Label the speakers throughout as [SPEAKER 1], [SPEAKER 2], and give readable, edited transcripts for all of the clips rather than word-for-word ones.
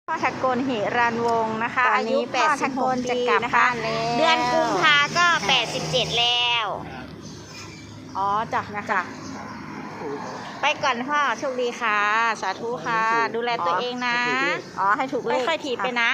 [SPEAKER 1] พ่อทะกลหิรันวงศ์นะคะอายุ86
[SPEAKER 2] จะ
[SPEAKER 1] ปี
[SPEAKER 2] กลับ
[SPEAKER 1] นะคะ
[SPEAKER 2] บ้านแล้วเดือนกุมภาก็87แล้ว
[SPEAKER 1] อ๋อจ้ะนะคะ
[SPEAKER 2] ไปก่อนพ่อโชคดีค่ะสาธุค่ะดูแลตัวเองนะ
[SPEAKER 1] ให้ถูกเลข
[SPEAKER 2] ค่อยๆถีบไปนะ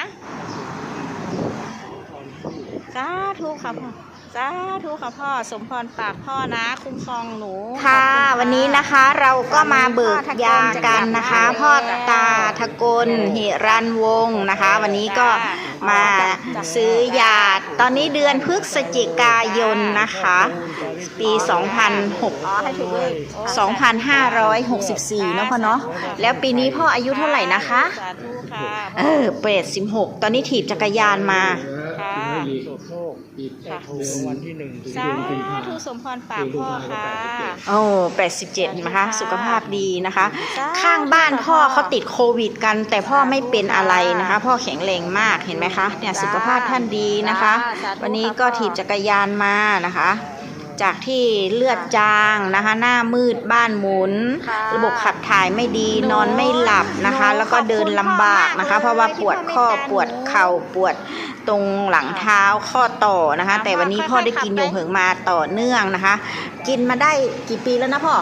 [SPEAKER 2] สาธุค่ะพ่อสาธุค่ะพ่อสมพรปากพ่อนะคุ้มครองหนูค่ะวันนี้นะคะเราก็มาเบิกยากันนะคะพ่อตาทะกลหิรันวงศ์นะคะวันนี้ก็มาซื้อยาตอนนี้เดือนพฤศจิกายนนะคะปี2564เนาะพ่อเนาะแล้วปีนี้พ่ออายุเท่าไหร่นะคะ86ตอนนี้ถีบจักรยานมา
[SPEAKER 3] วันที่1
[SPEAKER 2] สาธุสมพรปากพ่อค่ะ
[SPEAKER 1] 87นะคะสุขภาพดีนะคะข้างบ้านพ่อเขาติดโควิดกันแต่พ่อไม่เป็นอะไรนะคะพ่อแข็งแรงมากเห็นไหมคะเนี่ยสุขภาพท่านดีนะคะวันนี้ก็ถีบจักรยานมานะคะจากที่เลือดจางนะคะหน้ามืดบ้านหมุนระบบขับถ่ายไม่ดีนอนไม่หลับนะคะแล้วก็เดินลำบากนะคะเพราะว่าปวดข้อปวดเข่าปวดตรงหลังเท้าข้อต่อนะคะแต่วันนี้พ่อได้กินยงเหิงมาต่อเนื่องนะคะกินมาได้กี่ปีแล้วนะพ่อ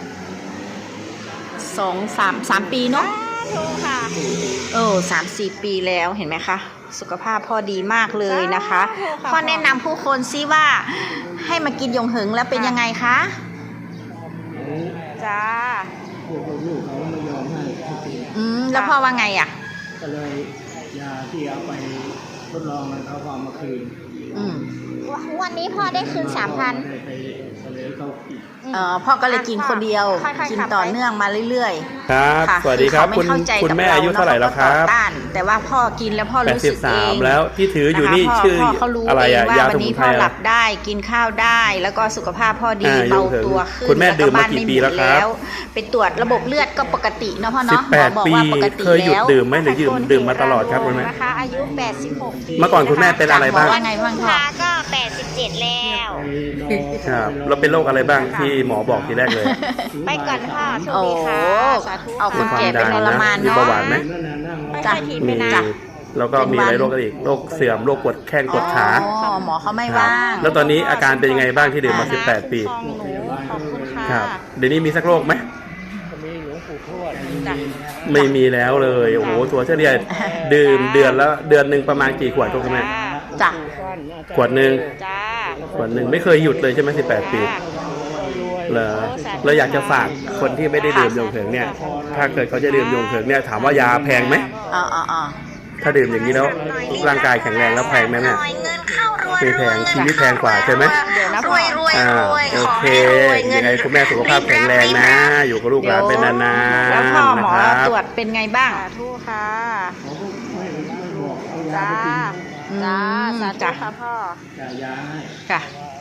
[SPEAKER 1] 3 ปีเนาะ
[SPEAKER 2] ถูกค่ะ
[SPEAKER 1] 3-4 ปีแล้วเห็นไหมคะสุขภาพพ่อดีมากเลยนะคะพ่อแนะนำผู้คนซิว่าให้มากินยงเหิงแล้วเป็นยังไงคะ
[SPEAKER 2] จ้า
[SPEAKER 3] ลูกเขาไม่ยอมให้
[SPEAKER 1] แล้วพ่อว่าไงอ่ะ
[SPEAKER 3] ก็เลยยาที่เอาไปทดลองมันเขาเอามาคืน
[SPEAKER 2] วันนี้พ่อได้คืน 3,000
[SPEAKER 3] ไปเสนอเขาอีก
[SPEAKER 1] พ่อก็เลยกินคนเดียวกินต่อเนื่องมาเรื่อย
[SPEAKER 4] ๆครับสวัสดีครับคุณแม่อายุเท่าไหร่แล้วครับ
[SPEAKER 1] แต่ว่าพ่อกินแล้วพ่อรู้สึกเอง
[SPEAKER 4] 83แล้วที่ถืออยู่นี่ชื่ออะไรอะยาสมุนไพร
[SPEAKER 1] พ่อหลับได้กินข้าวได้แล้วก็สุขภาพพ่อดีเบาตัวขึ้น
[SPEAKER 4] คุณแม่ดื่มมากี่ปีแล้วครับ
[SPEAKER 1] ไปตรวจระบบเลือดก็ปกติเนาะพ่อเนาะ
[SPEAKER 4] 18 ปีเคยหยุดดื่มไหมหรือดื่มมาตลอดครับคุณแม่
[SPEAKER 2] นะคะอายุ86ปี
[SPEAKER 4] เมื่อก่อนคุณแม่เป็นอะไรบ้าง
[SPEAKER 2] วันกุมภาก็87แล้ว
[SPEAKER 4] ครับแล้วเป็นโรคอะไรบ้างที่หมอบอกทีแรกเลย
[SPEAKER 2] ไปก่อนพ่อโชคดีค่ะสาธุ
[SPEAKER 1] เอาคนแก่เป็นทรมาน
[SPEAKER 4] มีเบาหวานไหม
[SPEAKER 2] จ้ะมีนะ
[SPEAKER 4] แล้วก็มีอะไรโรคอีกโรคเสื่อมโรคปวดแข้งปวดขา
[SPEAKER 1] หมอเขาไม่ว่าง
[SPEAKER 4] แล้วตอนนี้อาการเป็นยังไงบ้างที่ดื่มมา18 ปีครับเดี๋ยวนี้มีสักโรคไหมไม่มีแล้วเลยโอ้โหตัวเฉลี่ยดื่มเดือนหนึ่งประมาณกี่ขวดทุกแม่
[SPEAKER 1] จ้ะ
[SPEAKER 4] ขวดหนึ่งไม่เคยหยุดเลยใช่ไหม18 ปีเหรอเราอยากจะฝากคนที่ไม่ได้ดื่มยงเหิงเนี่ยถ้าเกิดเขาจะดื่มยงเหิงเนี่ยถามว่ายาแพงไหมถ้าดื่มอย่างนี้แล้วร่างกายแข็งแรงแล้วแพงไหมเนี่ยไม่แพงชีวิตแพงกว่าใช่ไหมโอเคยังไงคุณแม่สุขภาพแข็งแรงนะอยู่กับลูกหลานเป็นนานๆ
[SPEAKER 1] แล้วพ่อหมอตรวจเป็นไงบ้าง
[SPEAKER 2] ทุกค่ะจ้าสาธุค่ะพ่อ
[SPEAKER 1] ค่ะ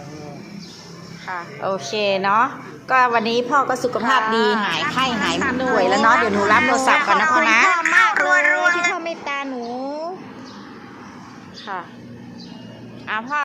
[SPEAKER 1] โอเคเนาะก็วันนี้พ่อก็สุขภาพดีหายไข้หายป่วยแล้วเนาะเดี๋ยวหนูรับโทรศัพท์ก่อนนะพ่อนะ
[SPEAKER 2] มากเลยที่พ่อเมตตาหนูค่ะพ่อ